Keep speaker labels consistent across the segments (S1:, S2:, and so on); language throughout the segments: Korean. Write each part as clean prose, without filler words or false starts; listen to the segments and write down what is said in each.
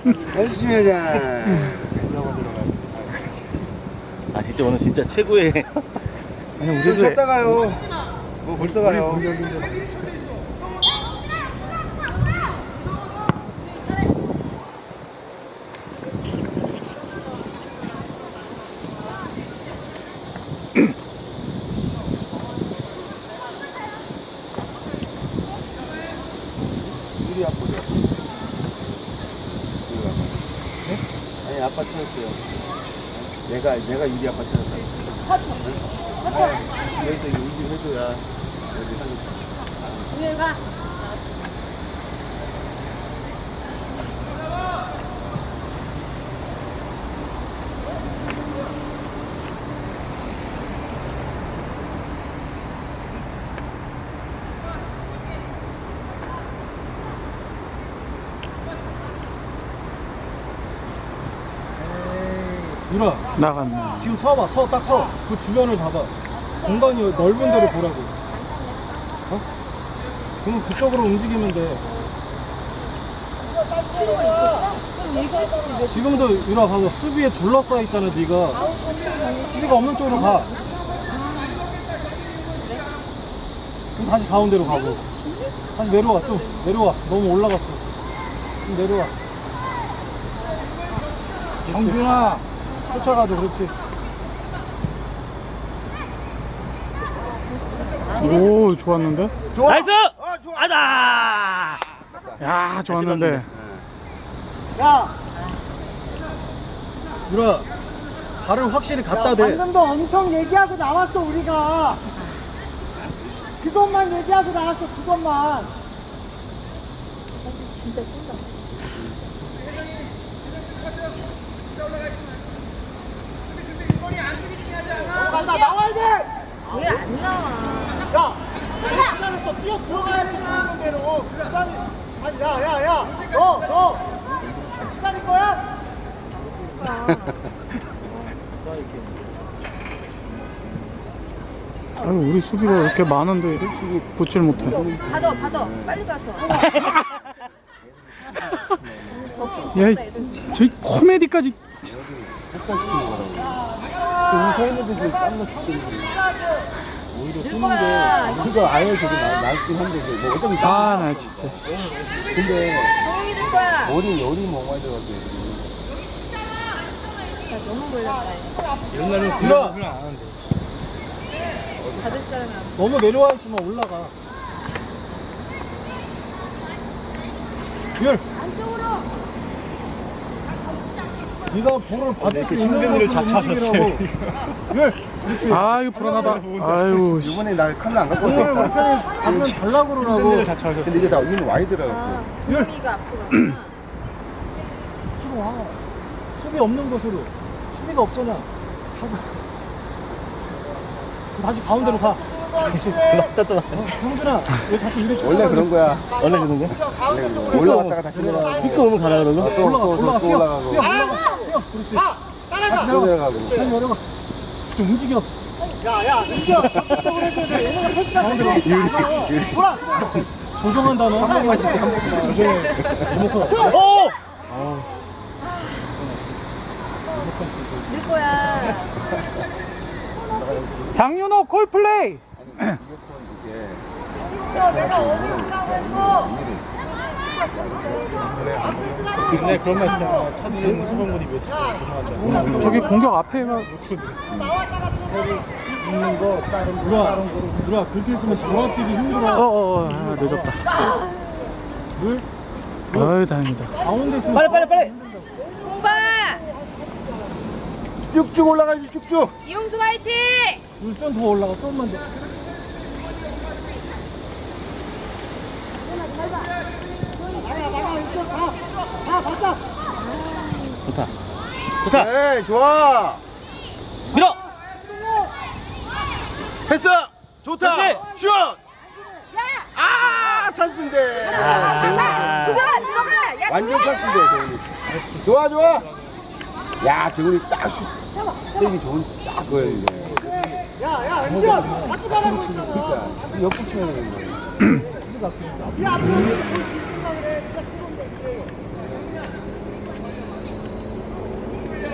S1: 열심히 하자.
S2: 아 진짜 오늘 진짜 최고의.
S1: 아니 우리도 쉬었다 가요. 뭐 벌써 가요. 유리 아빠 보자. 아니 아빠 찾았어요. 내가 유리 아빠 찾았다. 여기서 유리 해줘야 여기 하니까.
S3: 위에 가.
S4: 누나
S5: 나갔네.
S4: 지금 서봐 딱 서. 그 주변을 봐봐. 공간이 넓은 데를 보라고. 어? 그럼 그쪽으로 움직이면 돼. 지금도 유나 봐봐 수비에 둘러싸여 있잖아. 네가 수비가 없는 쪽으로 가. 그럼 다시 가운데로 가고. 다시 내려와. 좀 내려와. 너무 올라갔어. 좀 내려와. 정준아 쫓아가도 그렇지.
S5: 오, 좋았는데?
S2: 나이스.
S1: 좋아.
S2: 아다.
S5: 야, 좋았는데.
S4: 야! 유라, 발을 확실히 갖다 대.
S6: 방금도 엄청 얘기하고 나왔어 우리가. 그것만 얘기하고 나왔어 그것만. 나 나와야 돼.
S3: 왜 안 나와?
S6: 야, 시간에서 뛰어 들어가야지 하는 대로. 아니 야야야, 너 기다릴 거야?
S5: 아유, 우리 수비가 이렇게 많은데 일찍이 붙질 못해.
S3: 받아. 빨리 가서.
S5: 야, 저희 코미디까지.
S1: 서 있는 데서 땀나 죽겠는데. 오히려 쏘는 게 우리가 아예 저기 낫긴 한데 뭐 어차피
S5: 아, 나 진짜.
S1: 근데
S3: 조용히 될 거야.
S1: 열이 멍하게 돼가지고 애들이.
S3: 야, 너무 몰랐다.
S4: 옛날에 유라,
S3: 받을 사람이 안
S4: 너무 내려와 있으면 올라가. 열. 네가 볼을 받을 수 있는 곳으로 움직이라고. 열. 그렇지.
S5: 아, 이거 불안하다. 아유, 씨.
S1: 이번에 나 카메라 안 갖고
S4: 오늘 우리
S1: 왔다.
S4: 편에 방금 달라고 그러라고.
S1: 근데 이게 다 위는 와이드라고.
S3: 조용히가 앞으로 갔구나.
S4: 좀 와. 수비 없는 곳으로. 수비가 없잖아. 가봐. 다시 가운데로 가. 형준아, 왜 자꾸 이래?
S1: 원래 그런 거야.
S2: 원래 그런 거?
S1: 올라갔다가 다시 내려가고.
S2: 피크 오면 가라 그러고.
S1: 또 올라가고.
S4: 올라가. 그렇지.
S1: 다시 내려가고.
S4: 다시 내려가. 좀 움직여.
S6: 야야, 이겨. 적극적으로 해줘야 돼. 얘네가 패스가 되게 돌아.
S4: 조정한다 너. 한 번만 씩. 한 번만.
S2: 오.
S3: 늘 거야.
S5: 장윤호 콜플레이.
S6: 내가 어디라고 했어?
S4: 근데 그런 말 있잖아. 차범근이 몇
S5: 저기 공격 앞에가.
S4: 있는 거 누나 그렇게 있으면 종합 뛰기 힘들어.
S5: 아, 늦었다.
S4: 물
S5: 아유, 다행이다.
S4: 가운데 있으면
S2: 빨리.
S3: 공봐.
S1: 쭉쭉 올라가야지 쭉쭉.
S3: 이용수 화이팅.
S4: 물 좀 더 올라가. 좀만 더.
S2: 좋다.
S1: 네, 좋아.
S2: 밀어.
S1: 패스. 좋다.
S2: 그렇지.
S1: 슛. 아, 찬스인데.
S2: 아,
S3: 들어가. 야,
S1: 완전 찬스인데, 재훈이. 좋아. 야, 재훈이 딱 슛. 때리기 좋은 딱 거였는데.
S6: 야야, 은지야, 자꾸 말하고 있잖아.
S1: 그러니까 옆구 쳐야 되는데.
S6: 야, 앞으로 생각을 해. 진짜 그런 거 있어.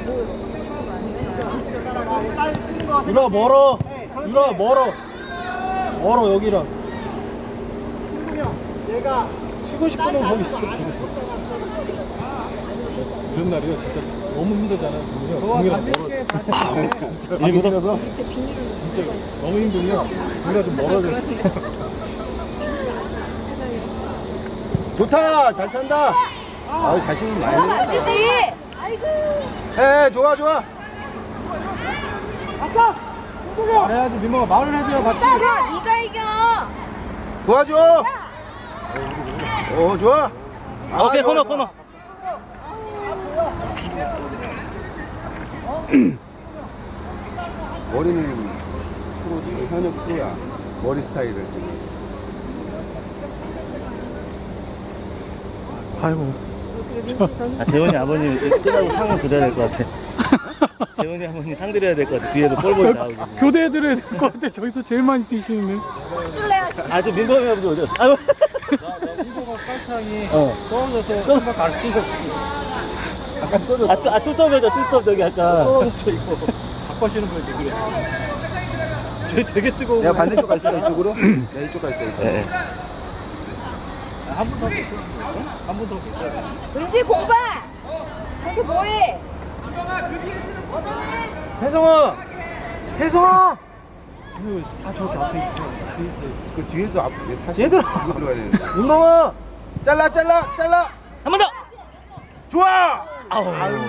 S4: 유라 멀어. 유라 멀어. 멀어 여기랑. 쉬고 싶으면 거기 있어. 이런 날이요 진짜 너무 힘들잖아. 공이랑 멀어. 진짜 일부러서 진짜 너무 힘들면 공이가 좀 멀어져 있어. 좋다, 잘 찬다.
S1: 아, 자신은 많이
S3: 안
S1: 내.
S3: 되지. 아이고.
S4: 에, 좋아, 좋아.
S5: 말해야지, 민모가 말을 해줘야 같이.
S3: 야, 네가 이겨.
S4: 도와줘. 좋아. 아,
S2: 오케이,
S4: 좋아,
S2: 코너,
S4: 좋아.
S2: 코너.
S1: 머리는 프로지, 현역 프로야. 머리 스타일을 지금.
S5: 아이고.
S2: 아, 재원이 아버님 뜨라고 상을 드려야 될 것 같아. 재원이 아버님 상 드려야 될 것 같아. 뒤에도 볼볼이 나오고.
S5: 교대해드려야 될 것 같아. 저기서 제일 많이 뛰시는데.
S2: 아, 저 민범이 아버지 어디 갔어? 아유.
S4: 민호가 팔짱이
S2: 어.
S4: 떨어져서 한번 가르치고 약간 떨어져.
S2: 뚜껑이죠, 뚜껑 저기 아까.
S4: 떨어졌어 이거. 바꿔시는 거야 그래. 쟤 되게 뜨거워.
S1: 내가 반대쪽 갈 있어, 이쪽으로? 내가 이쪽 갈 있어, 이쪽.
S2: 네.
S4: 한번 더. 한번 더.
S3: 은지 공봐. 거기 뭐해?
S4: 혜성아! 혜성아! 쟤는 다 저렇게 앞에 있어. 뒤에 있어.
S1: 그 뒤에서 앞, 사실.
S4: 얘들아!
S1: 이거 들어가야 되는데.
S4: 운동아!
S1: 잘라!
S2: 한 번 더!
S4: 좋아!
S2: 아우.
S1: 아이고.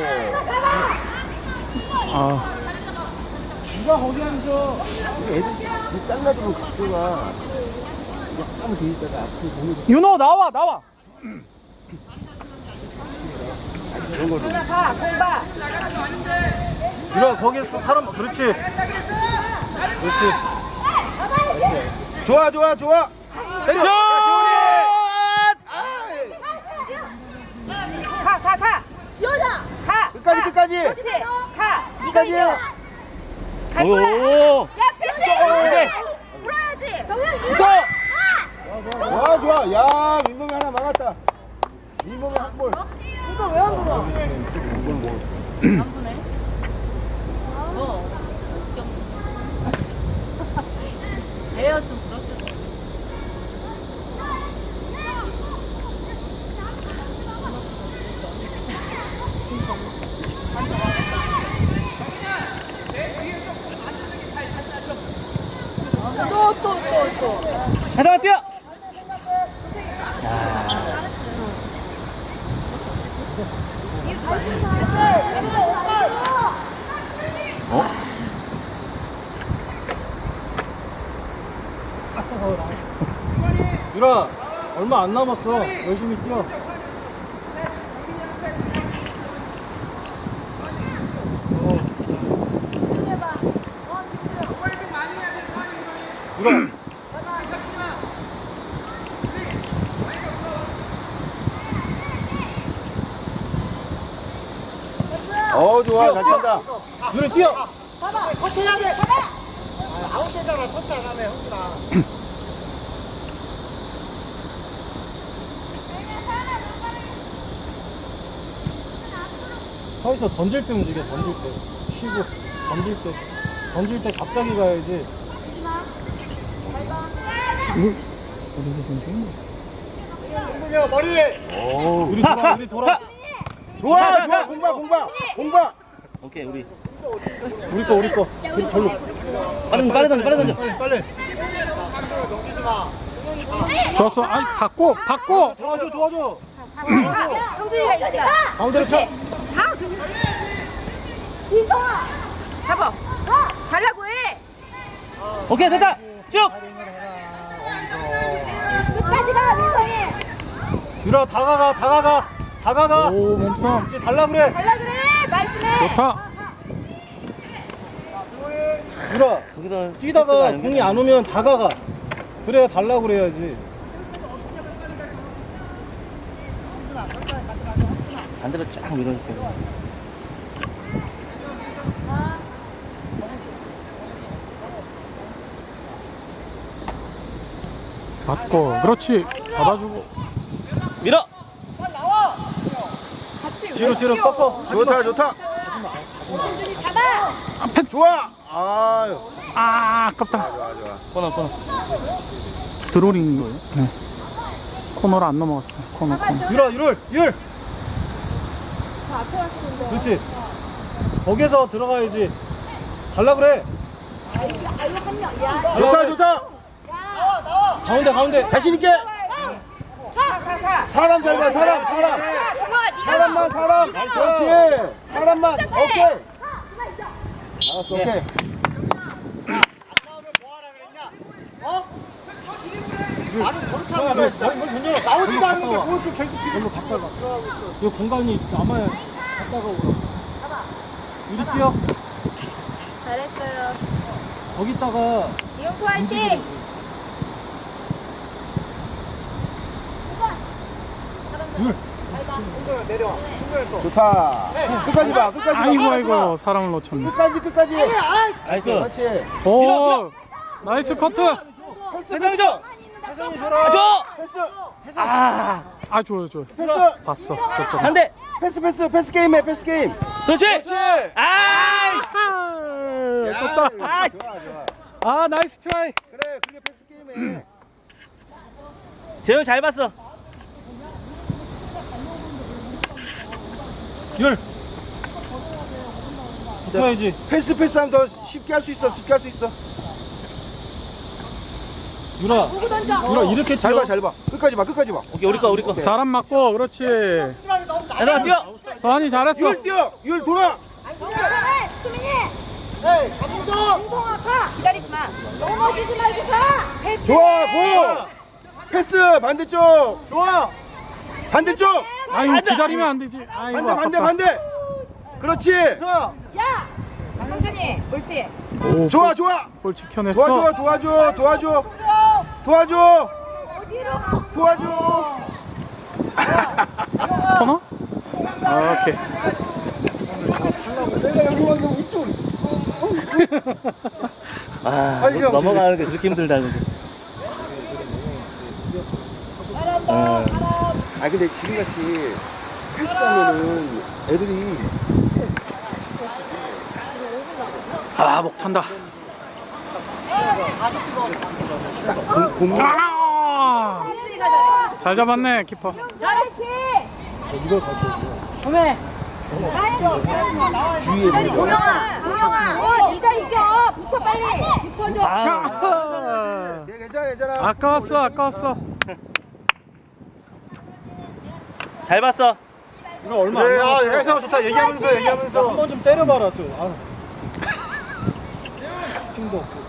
S5: 아,
S4: 누가 거기 앉아?
S1: 우리 애들, 이 잘라주면 그쪽가 약간 돼 있다가 앞에 보면
S5: 윤호, 나와!
S1: 그런 걸로.
S3: 가, 공봐.
S4: 유라 거기서 사람 그렇지. 그렇지. 좋아. 때려.
S3: 가. 여자. 가.
S1: 끝까지.
S3: 그렇지. 가. 네가 이겨. 갈 거야.
S2: 오.
S3: 야, 펜스. 불어야지.
S1: 붙어! 좋아. 야, 민범이 하나 막았다. 민범이 한 골.
S3: 이거 왜 안 불어?
S1: 한골 뭐.
S3: 또.
S2: 하나 뛰어! 어?
S4: 유라 얼마 안 남았어. 열심히 뛰어. 유라.
S1: 좋아. 잘 찬다.
S4: 유라 뛰어. 서있어. 던질 때 움직여. 던질 때 쉬고 던질 때 갑자기 가야지. 야 머리. 우리 돌아.
S1: 좋아. 공방.
S2: 오케이, 우리.
S4: 우리 거. 절로.
S2: 빨리 던져.
S4: 빨리.
S5: 좋았어. 아니, 바꿔!
S4: 도와줘.
S3: 형준이가 이겼다.
S4: 가운데로 쳐.
S3: 민성아. 잡아. 달라고 해.
S2: 오케이, 됐다! 쭉!
S3: 끝까지 가, 민성이.
S4: 유라 다가가.
S5: 오, 몸싸움.
S4: 이제 달라 그래.
S3: 달라 그래. 말씀해.
S5: 좋다.
S4: 유라
S2: 거기다
S4: 뛰다가 공이 안 오면 다가가. 그래야 달라 그래야지.
S2: 반대로 쫙 밀어주세요.
S5: 맞고. 그렇지. 받아주고.
S2: 밀어!
S4: 뒤로 꺾어.
S1: 좋다. 좋아. 아유.
S5: 아, 아깝다.
S1: 좋아, 좋아.
S2: 코너.
S5: 드로링인 거예요? 네. 코너를 안 넘어갔어요. 코너.
S4: 율. 그렇지. 거기서 들어가야지. 갈라 그래.
S1: 좋다.
S4: 가운데.
S1: 자신 있게. 사람 잘 봐. 사람. 사람만. 그렇지. 사람만. 오케이. 알았어. 오케이.
S4: 나오지 말고 뭘 계속 일로 갔다가. 이 공간이 남아야 갔다가 오라. 이리 뛰어.
S3: 잘했어요.
S4: 거기다가
S3: 이용수 화이팅!
S1: 좋다. 끝까지 봐.
S5: 아이고, 사람을 놓쳤네.
S1: 끝까지.
S2: 나이스.
S1: 그렇지.
S5: 오, 나이스 커트.
S2: 해병조.
S4: 혜성이 줘라.
S2: 줘.
S1: 패스.
S2: 아,
S5: 아, 좋아요.
S1: 패스.
S5: 봤어. 저쪽.
S2: 반대.
S1: 패스 게임 해. 패스 게임.
S2: 그렇지. 아,
S1: 야,
S5: 떴다.
S1: 좋아.
S5: 아, 나이스 트라이.
S1: 그래. 그게 패스 게임 해.
S2: 재현 잘 봤어.
S4: 율. 붙어야지.
S1: 패스하면 더 쉽게 할 수 있어.
S4: 유라 이렇게 뛰어.
S1: 잘 봐. 끝까지 봐.
S2: 오케이, 우리 거.
S5: 사람 맞고, 그렇지.
S2: 얘들아, 뛰어.
S5: 서한이 잘했어.
S1: 율 뛰어. 율 돌아.
S3: 기다리지 마. 넘어지지 말고 가.
S1: 좋아. 고. 패스 반대쪽. 좋아. 반대쪽.
S5: 아이고, 기다리면 안 되지. 아이고,
S1: 반대. 그렇지.
S3: 야! 성준이, 옳지.
S5: 오,
S1: 좋아.
S5: 볼 지켜냈어.
S1: 도와줘.
S5: 코너? 아, 오케이.
S2: 아, 넘어가는 게 그렇게 힘들다.
S1: 아 근데 지금같이 패스하면은 애들이
S5: 아, 목 탄다. 아! 잘 잡았네, 키퍼.
S3: 잘했지.
S4: 이걸 가져오고.
S3: 동영아, 네가 이겨. 붙어 빨리. 붙어줘.
S5: 아,
S1: 괜찮아.
S5: 아까웠어.
S2: 잘 봤어.
S4: 이거 얼마 안 남았어.
S1: 혜성아 좋다. 얘기하면서.
S4: 한 번 좀 때려봐라 좀. 아. 힘도 없고.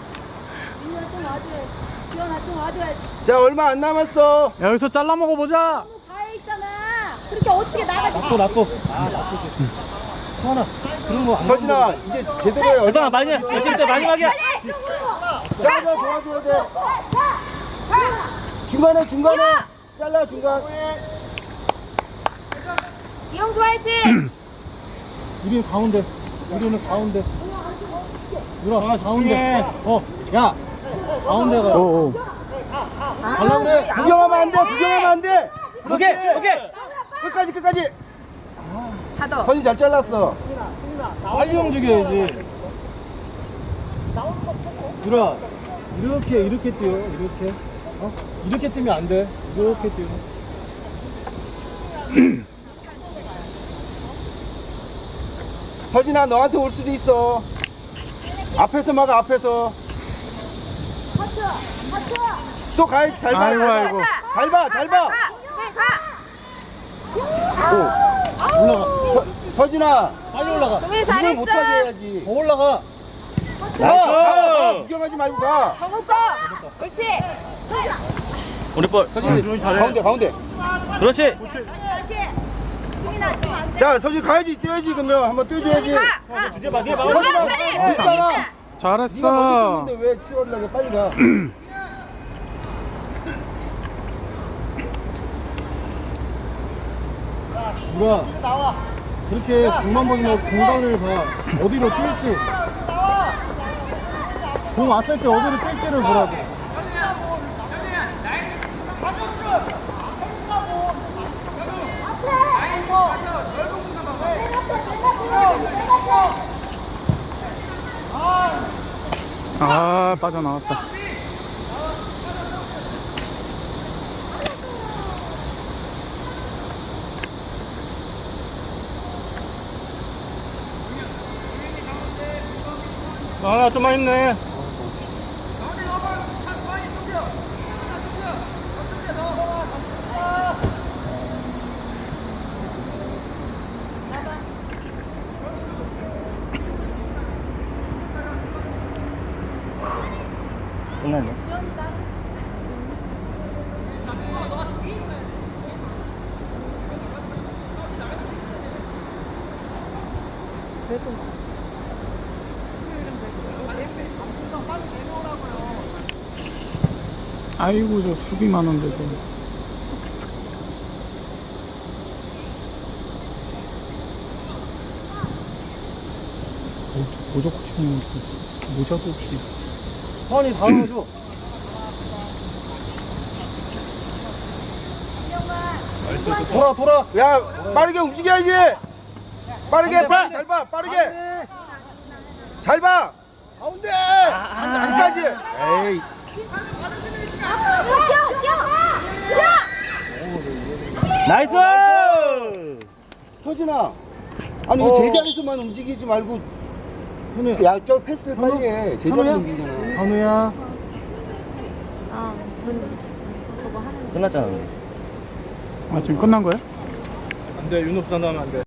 S1: 자 얼마 안 남았어.
S5: 여기서 잘라 먹어보자.
S3: 가해 있잖아. 그렇게 어떻게 나가지?
S4: 나쁘. 아, 나쁘지. 서원아, 그런 거 안
S1: 서진아 이제 제대로 해.
S2: 얘들아, 마지막이야.
S1: 자 도와줘야 돼. 중간에 잘라 중간.
S3: 이용수 화이팅.
S4: 우리는 가운데. 유라, 가운데. 야, 가운데 가.
S5: 오.
S4: 갈라 그래.
S1: 구경하면 안 돼.
S2: 오케이.
S1: 끝까지.
S3: 가도.
S1: 선이 잘 잘랐어.
S4: 빨리 움직여야지. 유라, 이렇게 뛰어. 이렇게. 이렇게 뛰면 안 돼. 이렇게 뛰어.
S1: 서진아 너한테 올 수도 있어. 앞에서 막아. 또 가야지. 잘 봐.
S5: 아이고.
S1: 잘 봐. 오.
S4: 올라가.
S1: 서진아
S4: 빨리 올라가.
S3: 동일
S1: 이걸
S3: 잘했어.
S1: 못하게 해야지.
S4: 더 올라가.
S1: 가. 구경하지 말고 가.
S3: 정우 거. 옳지.
S2: 우리 볼.
S1: 가운데.
S2: 그렇지.
S1: 자 서진 가야지. 뛰어야지. 그러면 한번 뛰어줘야지.
S2: 뒤에 봐.
S1: 서진아 있잖아. 네가
S5: 잘했어.
S1: 먼저 뛰는데 왜 치워리려고 빨리 가.
S4: 유라, 그렇게 공만 보지 말고 공간을 봐. 어디로 뛸지. 공 왔을 때 어디로 뛸지를 보라고.
S3: 앞에.
S5: 아, 빠져나왔다.
S2: 아, 좀만 있네. 끝났네.
S5: 아이고, 저 수비 많은데도. 모자 코치님 모자도 없이.
S1: 선이 다 넣어줘. 돌아. 야, 빠르게 움직여야지. 빠르게 봐. 잘 봐. 빠르게. 잘 봐. 가운데. 안까지. 에이.
S2: 나이스!
S1: 서진아. 아니 왜 제자리에서만 움직이지 말고 야, 저 패스를 빨리 해. 제자리에서 움직이잖아.
S4: 한우야.
S2: 끝났잖아.
S5: 아, 지금 끝난 거야?
S4: 안 돼, 윤호수 나면 안 돼.